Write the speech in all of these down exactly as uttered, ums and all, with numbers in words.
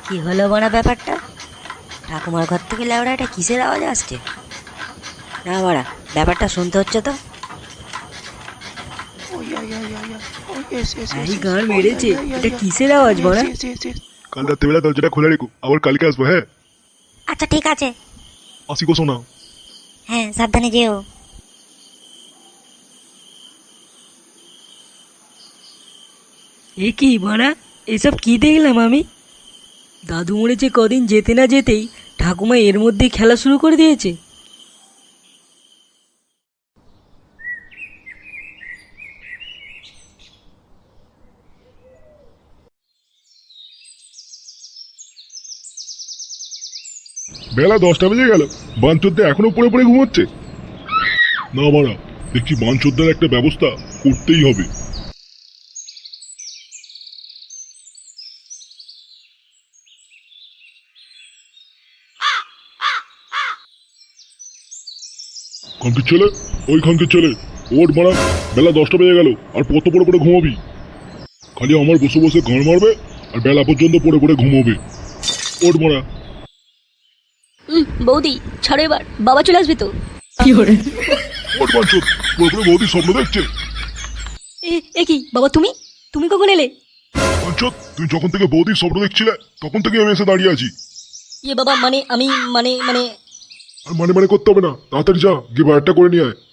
কি হলো বানা ব্যাপারটা? ঠাকুমার ঘর থেকে লেওড়া এটা কিসের আওয়াজ আসছে? না বাড়া, ব্যাপারটা শুনতে হচ্ছে তো। এই গান মেরেছে, এটা কিসের আওয়াজ বাড়া? কাল রাত্রিবেলা দরজাটা খোলা রেখো, আবার কালকে আসবো। হ্যাঁ, আচ্ছা ঠিক আছে। আসি গো সোনা। হ্যাঁ, সাবধানে যেও। এ কি বাড়া, এসব কি দেখলাম আমি? দাদু মরেছে কদিন যেতে না যেতেই ঠাকুমা এর মধ্যেই খেলা শুরু করে দিয়েছে। বেলা দশটা বেজে গেল, বাঞ্চোদ্দা এখনো পড়ে পড়ে ঘুমোচ্ছে। না মারা, দেখছি বাঞ্চোদ্দার একটা ব্যবস্থা করতেই হবে। খানকির ছেলে, ওই খানকির ছেলে, ওর মারা, বেলা দশটা বেজে গেল আর কত পড়ে পড়ে ঘুমাবি? খালি আমার বসে বসে গান মারবে আর বেলা পর্যন্ত পড়ে পড়ে ঘুমাবে। ওর মারা। বৌদি ছাড়ো এবার, বাবা চলে আসবে তো। ওর বাঞ্চোদ, পড়ে পড়ে বৌদি স্বপ্ন দেখছে। এ কি বাবা, তুমি তুমি কখন এলে? বাঞ্চোদ, তুই যখন থেকে বৌদির স্বপ্ন দেখছিলে তখন থেকে আমি এসে দাঁড়িয়ে আছি। ইয়ে বাবা, মানে আমি মানে মানে আর মানে মানে করতে হবে না, তাড়াতাড়ি যা গিয়ে বায়ারটা করে নিয়ে আয়।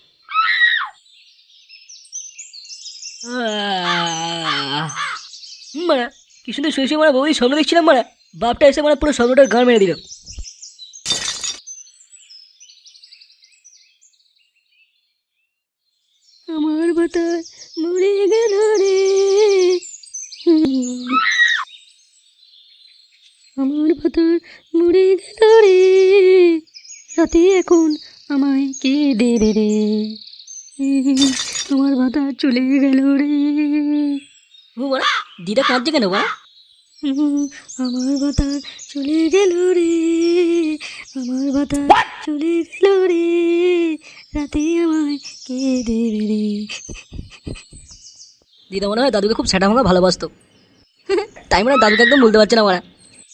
মারা, কি সুন্দর শুয়ে শুয়ে মারা বৌদি স্বপ্ন দেখছিলাম মারা, বাপটা এসে মারা পুরো স্বপ্নটার গান মেরে দিল। আমার বাতাস মরে গেল রে, আমার বাতাস মরে গেল রে, রাতে এখন আমায় কে দেবে রে, আমার বাতাস চলে গেল রে। ও বাড়া, দিদা কাঁদছে কেন বাড়া? আমার বাতাস চলে গেল রে, আমার বাতাস চলে গেল রে, রাতে আমায় কে দেবে রে। দিদা মনে হয় দাদুকে খুব সেটা ভাঙা ভালোবাসতো, তাই মনে হয় দাদুকে একদম বলতে পারছে না মারা।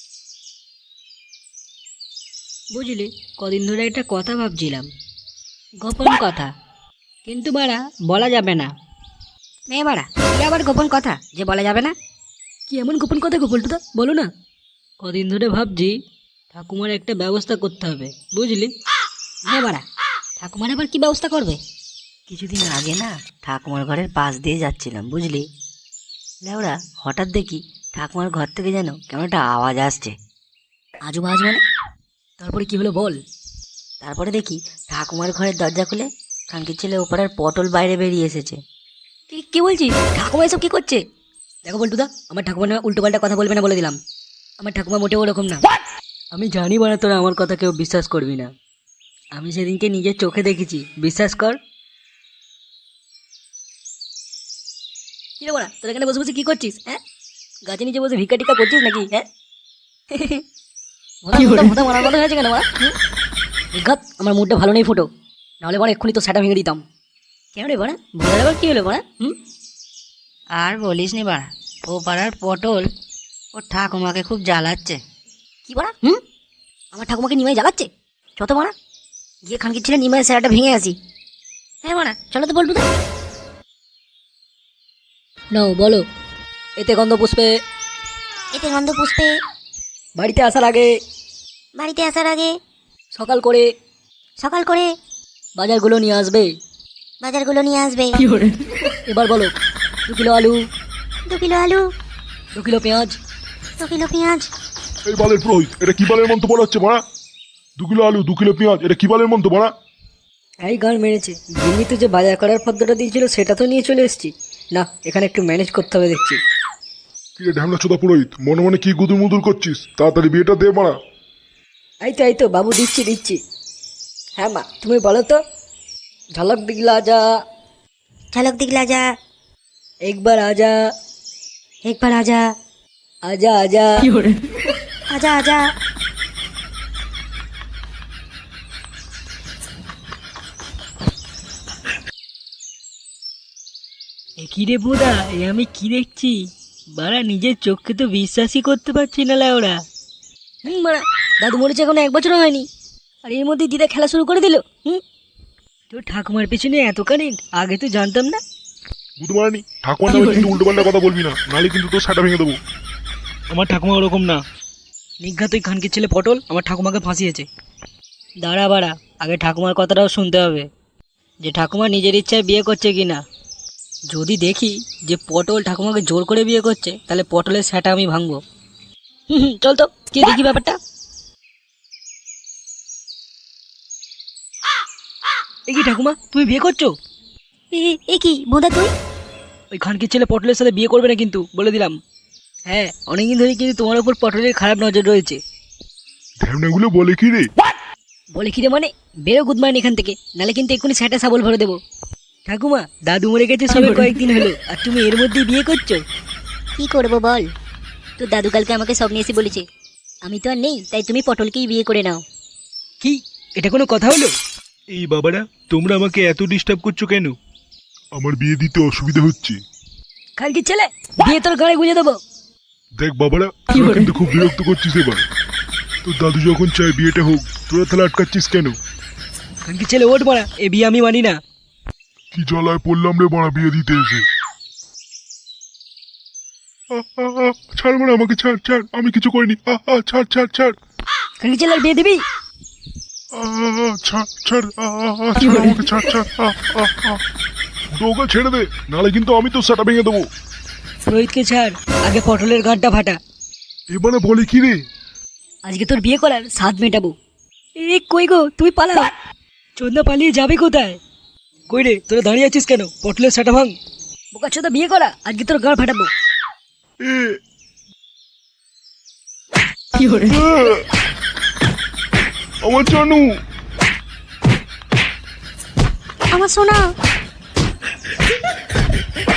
বুঝলি, কদিন ধরে একটা কথা ভাবছিলাম, গোপন কথা, কিন্তু বাড়া বলা যাবে না। মেয়ে বাড়া, কি আবার গোপন কথা যে বলা যাবে না? কি এমন গোপন কথা গো পল্টুদা, বলো না। কদিন ধরে ভাবছি ঠাকুমার একটা ব্যবস্থা করতে হবে, বুঝলি। হ্যাঁ বাড়া, ঠাকুমার আবার কি ব্যবস্থা করবে? কিছুদিন আগে না ঠাকুমার ঘরের পাশ দিয়ে যাচ্ছিলাম, বুঝলি, লেওড়া হঠাৎ দেখি ঠাকুমার ঘর থেকে যেন কেমন একটা আওয়াজ আসছে। আজু বাজ মানে? তারপরে কি হলো বল। তারপরে দেখি ঠাকুমার ঘরের দরজা খুলে খানকির ছেলে ওপাড়ার পটল বাইরে বেরিয়ে এসেছে। কি কি বলছিস? ঠাকুমা এসব কি করছে? দেখো বল্টুদা, আমার ঠাকুমা না উল্টো পাল্টা কথা বলবে না বলে দিলাম। আমার ঠাকুমা মোটেও ওরকম না। আমি জানি বানা তোরা আমার কথা কেউ বিশ্বাস করবি না, আমি সেদিনকে নিজের চোখে দেখেছি, বিশ্বাস কর। কি রে বাড়া, তোরা এখানে বসে বসে কি করছিস? হ্যাঁ, গাছে নিচে বসে ভিক্ষা টিক্কা করছিস নাকি? হ্যাঁ, মারার কথা হয়েছে কেন বাড়া? ঘাত, আমার মুডটা ভালো নেই ফুটো, নাহলে বড় এক্ষুনি তো সেটা ভেঙে দিতাম। কেন রে বাড়া, ভোলার আবার কি হলো বাড়া? হুম, আর বলিস নি বাড়া, ও পাড়ার পটল ও ঠাকুমাকে খুব জ্বালাচ্ছে। কি বাড়া? হুম, আমার ঠাকুমাকে নিমাই জ্বালাচ্ছে? ছত বাড়া, গিয়ে খানকির ছেলে নিমাই সেরাটা ভেঙে আসি। হ্যাঁ বাড়া, চলো তো বলবো তো। নাও বলো। এতে গন্ধ পুষ্পে, এতে গন্ধ পুষ্পে, বাড়িতে আসার আগে, বাড়িতে আসার আগে, সকাল করে, সকাল করে বাজারগুলো নিয়ে আসবে, বাজারগুলো নিয়ে আসবে। এবার বলো। দু কিলো আলু, দু কিলো আলু, দু কিলো পেঁয়াজ, দু কিলো পেঁয়াজ। এই বালের পুরোহিত, এটা কি বালের মন্ত্র বলা হচ্ছে মারা? দু কিলো আলু, দু কিলো পেঁয়াজ, এটা কি বালের মন্ত্র মারা? এই গান মেরেছে, জিম্মিতে যে বাজার করার পদ্ধতিটা দিয়েছিল সেটা তো নিয়ে চলে এসেছি। না, এখানে একটু ম্যানেজ করতে হবে দেখছি। কি রে ঢ্যামলা চোদা পুরোহিত, মনে মনে কি গুদুর মুদুর করছিস? তাড়াতাড়ি বিয়েটা দে মারা। এই তো এই তো বাবু, দিচ্ছি দিচ্ছি। হ্যাঁ মা, তুমি বলো তো। ঝলক দিগলা যা, ঝলক দিগলা যা, একবার আজা, একবার আজা, আজা আজা, আজা আজা। এ কি রে বোদা, এ আমি কি দেখছি? বাড়া নিজের চোখকে তো বিশ্বাসই করতে পারছি না লেওড়া। হুম মারা, দাদু মরেছে এখনো এক বছরও হয়নি, আর এর মধ্যে দিদা খেলা শুরু করে দিল। হুম, তোর ঠাকুমার পেছনে এত কারেন্ট, আগে তো জানতাম না। বুধমারানি, ঠাকুমার নামে কিন্তু উল্টো পাল্টা কথা বলবি না, নাহলে কিন্তু তোর সাটা ভেঙে দেবো। আমার ঠাকুমা ওরকম না। নিঘাত ওই খানকির ছেলে পটল আমার ঠাকুমাকে ফাঁসিয়েছে। দাঁড়া বাড়া, আগে ঠাকুমার কথাটাও শুনতে হবে, যে ঠাকুমা নিজের ইচ্ছায় বিয়ে করছে কি না। যদি দেখি যে পটল ঠাকুমাকে জোর করে বিয়ে করছে, তাহলে পটলের স্যাটা আমি ভাঙবো। হুম হুম, চল তো কি দেখি ব্যাপারটা। এ কি ঠাকুমা, তুমি বিয়ে করছো? এ কি বোধা তুই? ওই খানকির ছেলে পটলের সাথে বিয়ে করবে না কিন্তু, বলে দিলাম। হ্যাঁ, অনেকদিন ধরে কিন্তু তোমার উপর পটলের খারাপ নজর রয়েছে। ঢ্যামনাগুলো বলে কি রে? বলে কি রে মানে? বেরো গুদমাইন এখান থেকে, নালে কিন্তু এক্ষুনি স্যাটা সাবল ভরে দেবো। ঠাকুমা, দাদু মরে গেছে সবে কয়েকদিন হলো, আর তুমি এর মধ্যেই বিয়ে করছো? কি করবো বল, তোর দাদু কালকে আমাকে স্বপ্নে এসে বলেছে আমি তো আর নেই, তাই তুমি পটলকেই বিয়ে করে নাও। কি, এটা কোনো কথা হলো? এই বাবারা, তোমরা আমাকে এত ডিস্টার্ব করছো কেন? আমার বিয়ে দিতে অসুবিধা হচ্ছে। খানকির ছেলে, বিয়ে তোর গাড়ি গুঁজে দেবো। দেখ বাবারা, তোরা কিন্তু খুব বিরক্ত করছিস এবার। তোর দাদু যখন চায় বিয়েটা হোক, তোরা তাহলে আটকাচ্ছিস কেন? খানকির ছেলে ওঠ মারা, এ বিয়ে আমি মানি না। কি জ্বালায় পড়লাম রে বাড়া বিয়ে দিতে এসে। আহ, আহ, আহ, ছাড় বাড়া, আমাকে ছাড় ছাড়, আমি কিছু করিনি। আহ, আহ, ছাড় ছাড় ছাড়। খানকির ছেলে, আর বিয়ে দিবি? আহ, আহ, আহ, ছাড় ছাড়, আহ, আহ, আহ, ছাড় আমাকে, ছাড় ছাড়। আহ, আহ, আহ। ওকে ছেড়ে দে, নাহলে কিন্তু আমি তোর সাটা ভেঙে দেবো। রোহিতকে ছাড়, আগে পটলের গাঁটটা ফাটা। এবারে বলে কি রে? আজকে তোর বিয়ে করার স্বাদ মেটাবো। এ কই গো, তুই পালাও। চন্দা পালিয়ে যাবে কোথায়? কই রে, তোরা দাঁড়িয়ে আছিস কেন? পটলের সাটা ভাঙ। বোকা চোদা, বিয়ে করা, আজকে তোর গাঁট ফাটাবো। এ, কি করে? আহ, আমার জানু। আমার সোনা,